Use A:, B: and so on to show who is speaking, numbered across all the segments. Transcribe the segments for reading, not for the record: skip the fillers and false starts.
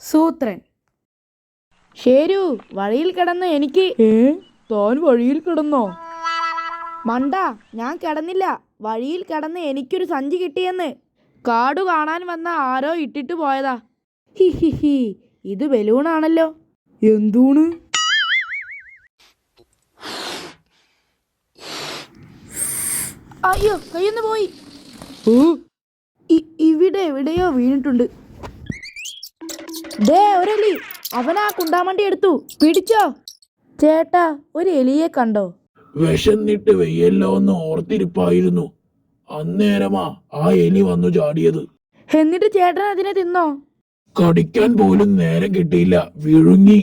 A: സൂത്രൻ. ശരു, വഴിയിൽ കിടന്ന് എനിക്ക്.
B: താൻ വഴിയിൽ കിടന്നോ?
A: മണ്ട, ഞാൻ കിടന്നില്ല. വഴിയിൽ കിടന്ന് എനിക്കൊരു സഞ്ചി കിട്ടിയെന്ന്. കാടു കാണാൻ വന്ന ആരോ ഇട്ടിട്ട് പോയതാ. ഹി ഹി ഹി, ഇത് ബലൂണാണല്ലോ.
B: എന്തൂണ്?
A: അയ്യോ, കയ്യൊന്ന് പോയി. ഇവിടെ എവിടെയോ വീണിട്ടുണ്ട്. ദേ ഒരെലി, അവനാ കുണ്ടാമണ്ടി എടുത്തു. പിടിച്ചോ. ചേട്ടാ, ഒരു എലിയെ കണ്ടോ?
C: വിശന്നിട്ട് വെയ്യല്ലോ എന്ന് ഓർത്തിരിപ്പായിരുന്നു. അന്നേരമാ ആ എലി വന്നു ചാടിയത്.
A: എന്നിട്ട് ചേട്ടൻ അതിനെ തിന്നോ?
C: കടിക്കാൻ പോലും നേരം കിട്ടിയില്ല, വിഴുങ്ങി.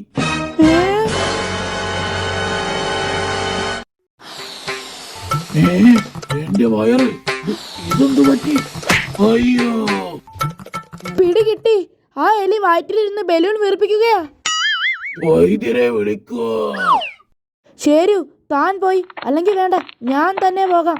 C: എന്റെ വയറ്, ഇതെന്തു പറ്റി? അയ്യോ,
A: പിടികിട്ടി. ആ എലി വയറ്റിലിരുന്ന് ബലൂൺ വീർപ്പിക്കുകയാ.
C: വൈദ്യരെ വിളിക്കോ.
A: ശരു, താൻ പോയി. അല്ലെങ്കിൽ വേണ്ട, ഞാൻ തന്നെ പോകാം.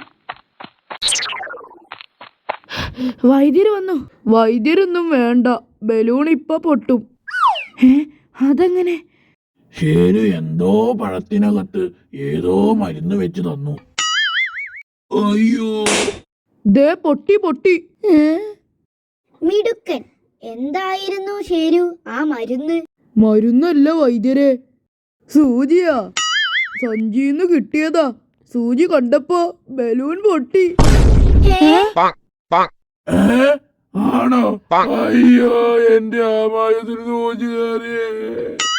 A: വൈദ്യര് വന്നു.
B: വൈദ്യരൊന്നും വേണ്ട, ബലൂൺ ഇപ്പൊ പൊട്ടും.
A: അതെങ്ങനെ?
C: ശരു എന്തോ പഴത്തിനകത്ത് ഏതോ മരുന്ന് വെച്ച് തന്നു. അയ്യോ,
B: ദേ പൊട്ടി പൊട്ടി.
D: മിടുക്കൻ. എന്തായിരുന്നു ശരു ആ മരുന്ന്?
B: മരുന്നല്ല വൈദ്യരെ, സൂചിയാ. സഞ്ചിന്ന് കിട്ടിയതാ. സൂചി കണ്ടപ്പോ ബലൂൺ പൊട്ടി.
C: ആണോ? അയ്യോ, എന്റെ ആമായത്തിന് സൂചി കയറിയേ.